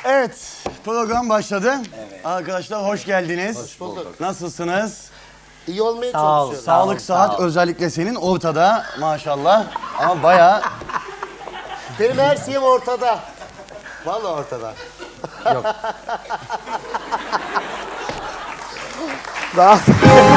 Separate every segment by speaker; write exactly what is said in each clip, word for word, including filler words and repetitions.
Speaker 1: Evet, program başladı. Evet. Arkadaşlar hoş geldiniz. Hoş bulduk. Nasılsınız?
Speaker 2: İyi olmaya
Speaker 1: Sağ
Speaker 2: çalışıyorum.
Speaker 1: Sağlık,
Speaker 2: sağ
Speaker 1: saat
Speaker 2: ol.
Speaker 1: özellikle senin ortada maşallah. Ama bayağı...
Speaker 2: Benim her şeyim ortada. Vallahi ortada.
Speaker 1: Yok.
Speaker 2: Daha...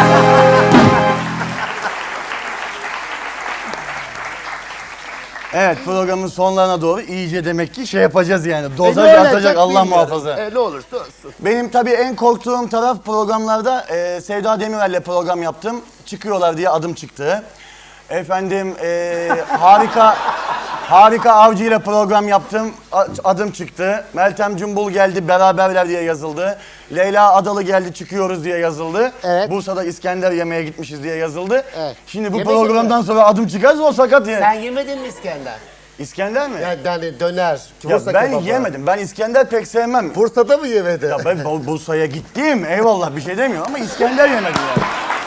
Speaker 1: Evet, programın sonlarına doğru iyice demek ki şey yapacağız yani. Dozaj
Speaker 2: E, ne
Speaker 1: atacak
Speaker 2: olacak
Speaker 1: Allah
Speaker 2: bilmiyorum.
Speaker 1: muhafaza.
Speaker 2: E, ne olursa olsun.
Speaker 1: Benim tabii en korktuğum taraf programlarda e, Sevda Demirel'le program yaptım. Çıkıyorlar diye adım çıktı. Efendim e, harika harika Avcı ile program yaptım. A- adım çıktı. Meltem Cumbul geldi beraberler diye yazıldı. Leyla Adalı geldi çıkıyoruz diye yazıldı.
Speaker 2: Evet.
Speaker 1: Bursa'da İskender yemeğe gitmişiz diye yazıldı.
Speaker 2: Evet.
Speaker 1: Şimdi bu
Speaker 2: Yemedin
Speaker 1: programdan
Speaker 2: mi?
Speaker 1: sonra adım çıkarsa o sakat yani.
Speaker 2: Sen yemedin mi İskender?
Speaker 1: İskender mi?
Speaker 2: Yani, yani döner.
Speaker 1: Ya
Speaker 2: Bursa
Speaker 1: ben
Speaker 2: kebabı.
Speaker 1: yemedim. Ben İskender pek sevmem.
Speaker 2: Bursa'da mı yemedin?
Speaker 1: Ya ben Bur- Bursa'ya gittim. Eyvallah bir şey demiyorum ama İskender yemedim yani.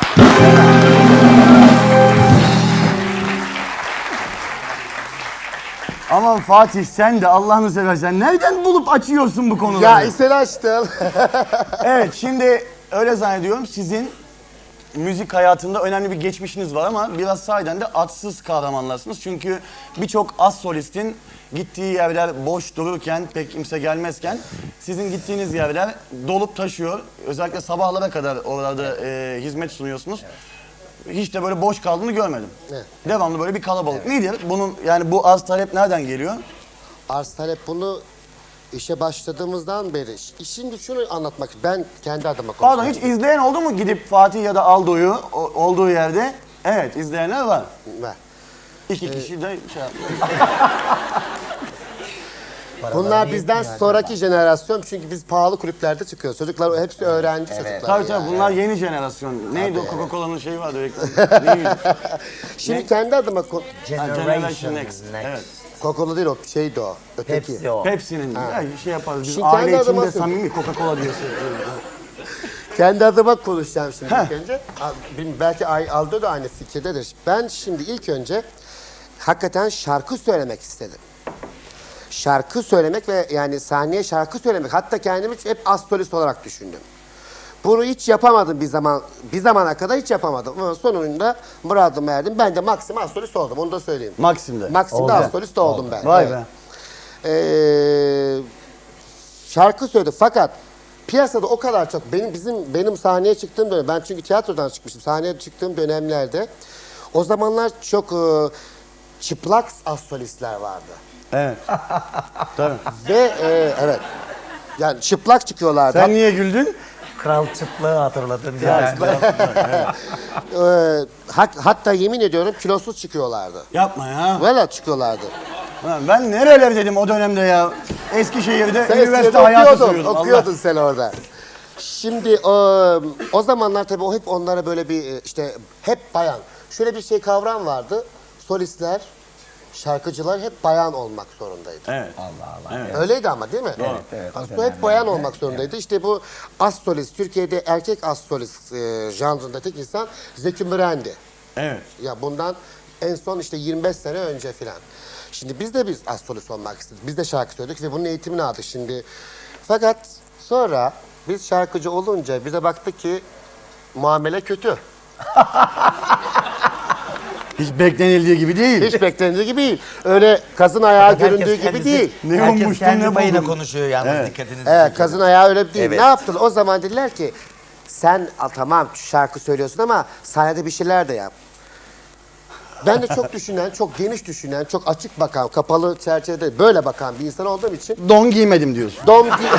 Speaker 1: Aman Fatih sen de Allah'ını seversen nereden bulup açıyorsun bu konuları?
Speaker 2: Ya sen açtın.
Speaker 1: Evet şimdi öyle zannediyorum sizin müzik hayatında önemli bir geçmişiniz var ama biraz sahiden de adsız kahramanlarsınız. Çünkü birçok az solistin gittiği yerler boş dururken, pek kimse gelmezken sizin gittiğiniz yerler dolup taşıyor. Özellikle sabahlara kadar oralarda e, hizmet sunuyorsunuz. Hiç de böyle boş kaldığını görmedim.
Speaker 2: Evet.
Speaker 1: Devamlı böyle bir kalabalık. Nedir? Bunun yani bu az talep nereden geliyor?
Speaker 2: Arz talep bunu işe başladığımızdan beri. Şimdi şunu anlatmak, ben kendi adıma konuşuyorum.
Speaker 1: Pardon hiç izleyen oldu mu gidip Fatih ya da Aldo'yu o- olduğu yerde? Evet izleyenler var.
Speaker 2: Ver.
Speaker 1: İki kişi de şey yapıyor.
Speaker 2: Bunlar bizden sonraki jenerasyon çünkü biz pahalı kulüplerde çıkıyoruz. Çocuklar hepsi öğrenci çocuklar.
Speaker 1: Tabii tabii
Speaker 2: yani.
Speaker 1: bunlar yeni jenerasyon. Neydi o Coca-Cola'nın şeyi vardı reklamı. Neydi?
Speaker 2: Şimdi kendi adıma ko-
Speaker 1: Ha, Generation Next. Evet.
Speaker 2: Coca-Cola değil o şeydi o. Öteki.
Speaker 3: Hepsi o.
Speaker 1: Pepsi'nin ya şey yaparız biz
Speaker 2: Şimdi
Speaker 1: aile
Speaker 2: kendi
Speaker 1: içinde
Speaker 2: adıma-
Speaker 1: samimi Coca-Cola diye söylüyoruz.
Speaker 2: Kendi adıma konuşacağım şimdi ilk önce. A- bilmiyorum, belki Ay- Aldo da aynı fikirdedir. Ben şimdi ilk önce hakikaten şarkı söylemek istedim. Şarkı söylemek ve yani sahneye şarkı söylemek. Hatta kendimi hep az solist olarak düşündüm. Bunu hiç yapamadım bir zaman. Bir zamana kadar hiç yapamadım. Ama sonunda muradıma erdim. Ben de maksimum az solist oldum. Onu da söyleyeyim.
Speaker 1: Maxim'de.
Speaker 2: Maksimde az solist oldum ben.
Speaker 1: Vay
Speaker 2: Evet.
Speaker 1: be.
Speaker 2: Ee, şarkı söyledi fakat piyasada o kadar çok benim bizim benim sahneye çıktığım dönem ben çünkü tiyatrodan çıkmıştım sahneye çıktığım dönemlerde o zamanlar çok e, çıplak az solistler vardı
Speaker 1: Evet. Tabii.
Speaker 2: ve e, evet yani çıplak çıkıyorlardı.
Speaker 1: Sen niye güldün?
Speaker 3: Kral çıplığı hatırladın
Speaker 1: Ya,
Speaker 3: ya.
Speaker 2: Ee, hat- hatta yemin ediyorum kilosuz çıkıyorlardı.
Speaker 1: Yapma ya.
Speaker 2: Valla çıkıyorlardı.
Speaker 1: Lan ben nereler dedim o dönemde ya. Eskişehir'de
Speaker 2: Sen
Speaker 1: üniversite
Speaker 2: eskiden
Speaker 1: hayatı
Speaker 2: okuyordun,
Speaker 1: sürüyordum.
Speaker 2: okuyordun sen orada. Şimdi o, o zamanlar tabii o hep onlara böyle bir işte hep bayan. Şöyle bir şey kavram vardı. Solistler, şarkıcılar hep bayan olmak zorundaydı.
Speaker 1: Evet.
Speaker 3: Allah Allah.
Speaker 1: Evet.
Speaker 2: Öyleydi ama değil mi?
Speaker 3: Evet, evet, o
Speaker 2: Aslında hep bayan olmak zorundaydı. İşte bu az solist, Türkiye'de erkek az solist e, janrında tek insan Zeki Müren'di.
Speaker 1: Evet.
Speaker 2: Ya bundan en son işte yirmi beş sene önce filan. Şimdi biz de biz az solist olmak istedik. Biz de şarkı söyledik ve bunun eğitimini aldık şimdi. Fakat sonra biz şarkıcı olunca bize baktık ki muamele kötü.
Speaker 1: Hiç beklenildiği gibi değil.
Speaker 2: Hiç beklendiği gibi değil. Öyle kazın ayağı
Speaker 3: Herkes
Speaker 2: göründüğü gibi
Speaker 3: kendisi-
Speaker 2: değil.
Speaker 1: Ne
Speaker 3: Herkes
Speaker 1: ummuştun,
Speaker 3: kendi
Speaker 1: ne
Speaker 3: payına
Speaker 1: buldun?
Speaker 3: konuşuyor yalnız
Speaker 1: Evet.
Speaker 3: dikkatinizi
Speaker 2: Evet,
Speaker 3: çekiyor.
Speaker 2: kazın ayağı öyle değil.
Speaker 3: Evet.
Speaker 2: Ne yaptılar? O zaman dediler ki sen a, tamam şarkı söylüyorsun ama sahnede bir şeyler de yap. Ben de çok düşünen, çok geniş düşünen, çok açık bakan, kapalı çerçevede böyle bakan bir insan olduğum için
Speaker 1: Don giymedim diyorsun.
Speaker 2: Dom gi-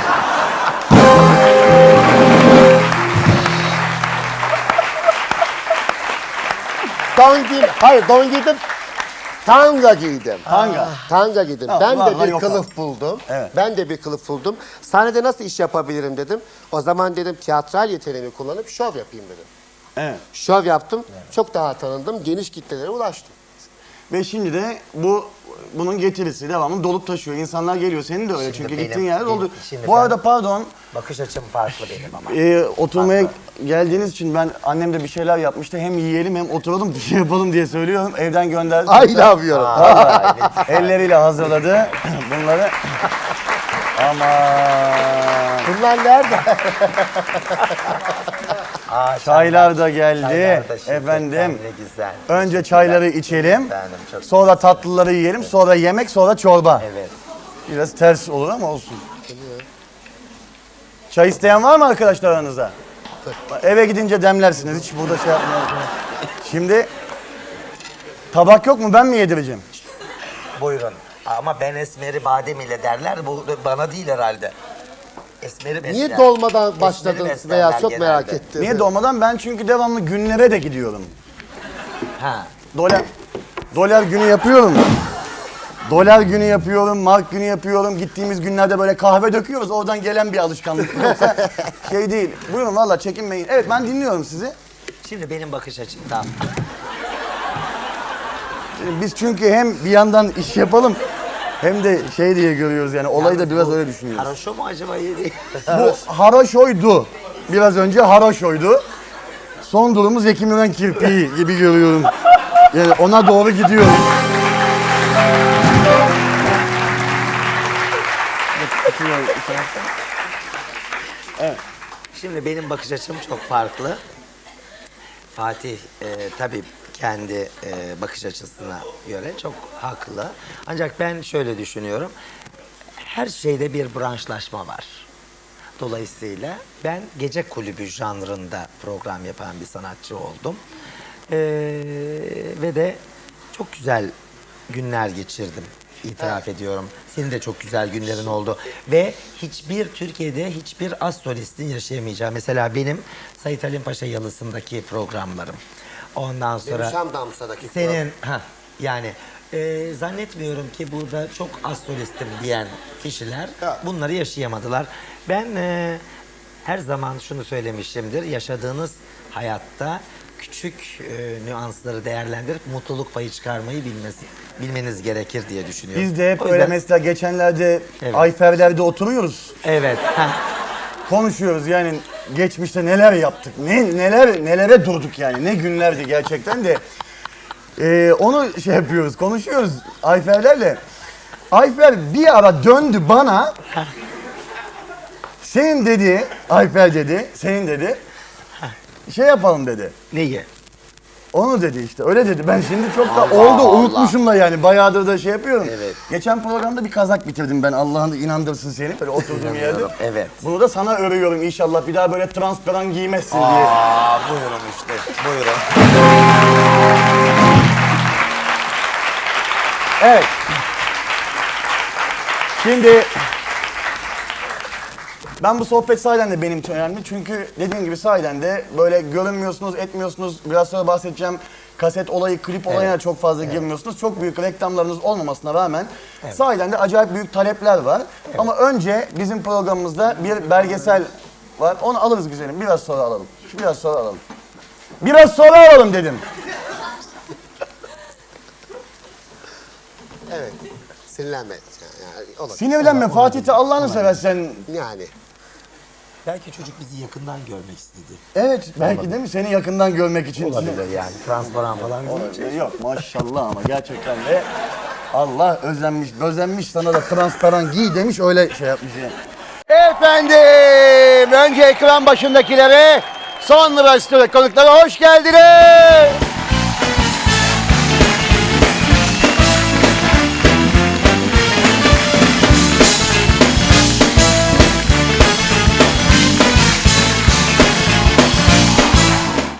Speaker 2: Don giydim. Hayır don giydim. Tanga giydim.
Speaker 1: Tanga.
Speaker 2: Tanga giydim.
Speaker 1: Ha,
Speaker 2: ben
Speaker 1: var,
Speaker 2: de
Speaker 1: var,
Speaker 2: bir
Speaker 1: yok
Speaker 2: kılıf buldum.
Speaker 1: Evet.
Speaker 2: Ben de bir kılıf buldum. Sahnede nasıl iş yapabilirim dedim. O zaman dedim tiyatral yeteneğimi kullanıp şov yapayım dedim.
Speaker 1: Evet.
Speaker 2: Şov yaptım. Çok daha tanındım. Geniş kitlelere ulaştım.
Speaker 1: Ve şimdi de bu bunun getirisi devamlı dolup taşıyor. İnsanlar geliyor. Senin de öyle
Speaker 3: Şimdi
Speaker 1: çünkü
Speaker 3: benim-
Speaker 1: gittiğin yer
Speaker 3: benim-
Speaker 1: doldu.
Speaker 3: şimdi
Speaker 1: Bu
Speaker 3: ben-
Speaker 1: arada pardon
Speaker 3: Bakış açım farklı benim ama.
Speaker 1: e, oturmaya geldiğiniz için ben annem de bir şeyler yapmıştı. Hem yiyelim hem oturalım bir şey yapalım diye söylüyorum. Evden gönderdi.
Speaker 2: Ay ne yapıyorum?
Speaker 1: Vallahi elleriyle hazırladı bunları. Aman.
Speaker 2: Bunlar nerede?
Speaker 3: Aa,
Speaker 1: Çaylar da geldi.
Speaker 3: çaylar da şeker,
Speaker 1: Efendim.
Speaker 3: ne güzel.
Speaker 1: Önce çayları içelim.
Speaker 3: Efendim, çok
Speaker 1: Sonra tatlıları yiyelim. Sonra yemek, sonra çorba.
Speaker 3: Evet.
Speaker 1: Biraz ters olur ama olsun. Çay isteyen var mı arkadaşlar aranızda? Eve gidince demlersiniz. Hiç burada şey yapmayalım. Şimdi tabak yok mu? Ben mi yedireceğim?
Speaker 3: Buyurun. Ama ben esmeri badem ile derler. Bu bana değil herhalde. Esmeri besler.
Speaker 2: Niye dolmadan
Speaker 3: Esmeri
Speaker 2: başladınız
Speaker 3: beslerler
Speaker 2: veya çok
Speaker 3: genelde.
Speaker 2: merak ettim.
Speaker 1: Niye dolmadan? Ben çünkü devamlı günlere de gidiyorum.
Speaker 3: Ha.
Speaker 1: Dolar, dolar günü yapıyorum. Dolar günü yapıyorum, mark günü yapıyorum. Gittiğimiz günlerde böyle kahve döküyoruz. Oradan gelen bir alışkanlık. Yoksa şey değil. Buyurun valla çekinmeyin. Evet ben dinliyorum sizi.
Speaker 3: Şimdi benim bakış açımdan.
Speaker 1: Biz çünkü hem bir yandan iş yapalım hem de şey diye görüyoruz yani olayı da biraz öyle düşünüyoruz.
Speaker 3: Haroşo mu acaba yedi?
Speaker 1: Bu haroşoydu. Biraz önce haroşoydu. Son durumu Zeki Müren kirpiği gibi görüyorum. Yani ona doğru gidiyoruz.
Speaker 3: Şimdi benim bakış açım çok farklı. Fatih e, tabii kendi e, bakış açısına göre çok haklı. Ancak ben şöyle düşünüyorum. Her şeyde bir branşlaşma var. Dolayısıyla ben gece kulübü janrında program yapan bir sanatçı oldum. E, ve de çok güzel günler geçirdim. İtiraf ediyorum. Senin de çok güzel günlerin oldu. Ve hiçbir Türkiye'de hiçbir az solistin yaşayamayacağı. Mesela benim Sait Halim Paşa Yalısı'ndaki programlarım. Ondan sonra...
Speaker 2: Benim Şam Damsa'daki
Speaker 3: Senin... Ha, yani e, zannetmiyorum ki burada çok az solistim diyen kişiler
Speaker 2: Evet.
Speaker 3: bunları yaşayamadılar. Ben e, her zaman şunu söylemişimdir. Yaşadığınız hayatta küçük e, nüansları değerlendirip mutluluk payı çıkarmayı bilmesi, bilmeniz gerekir diye düşünüyorum.
Speaker 1: Biz de hep
Speaker 3: O
Speaker 1: öyle
Speaker 3: yüzden-
Speaker 1: mesela geçenlerde
Speaker 3: Evet.
Speaker 1: Ayfer'lerde oturuyoruz.
Speaker 3: Evet. ha.
Speaker 1: Konuşuyoruz yani geçmişte neler yaptık, ne neler nelere durduk yani ne günlerdi gerçekten de. Ee, onu şey yapıyoruz, konuşuyoruz Ayfer'lerle. Ayfer bir ara döndü bana. Senin dedi, Ayfer dedi, senin dedi. Şey yapalım dedi.
Speaker 3: Neyi?
Speaker 1: Onu dedi işte öyle dedi. Ben şimdi çok da
Speaker 3: Allah
Speaker 1: oldu
Speaker 3: Allah.
Speaker 1: unutmuşum da yani bayağıdır da şey yapıyorum.
Speaker 3: Evet.
Speaker 1: Geçen programda bir kazak bitirdim ben Allah'ın inandırsın seni böyle oturduğum yerde.
Speaker 3: İnanıyorum, evet.
Speaker 1: Bunu da sana örüyorum inşallah bir daha böyle transparan giymezsin diye.
Speaker 3: Aa, buyurun işte. Buyurun.
Speaker 1: Evet. Şimdi ben bu sohbet sahiden de benim için önemli. Çünkü dediğim gibi sahiden de böyle görünmüyorsunuz, etmiyorsunuz. Biraz sonra bahsedeceğim. Kaset olayı, klip olayına çok fazla girmiyorsunuz. Çok büyük reklamlarınız olmamasına rağmen sahiden de acayip büyük talepler var. Ama önce bizim programımızda bir belgesel var. Onu alırız güzelim. Biraz sonra alalım. Biraz sonra alalım. Biraz sonra alalım dedim.
Speaker 2: Evet. Sinirlenme. Yani, olur.
Speaker 1: Sinirlenme Fatih'te Allah'ını seversen.
Speaker 2: Yani.
Speaker 3: Belki çocuk bizi yakından görmek istedi.
Speaker 1: Evet belki değil mi? Seni yakından görmek için.
Speaker 3: Olabilir yani. Transparan falan.
Speaker 1: Olabilir. Yok maşallah ama gerçekten de Allah özenmiş, özenmiş sana da transparan giy demiş öyle şey yapmış yani. Efendim önce ekran başındakilere sonra stüdyo konuklara hoş geldiniz.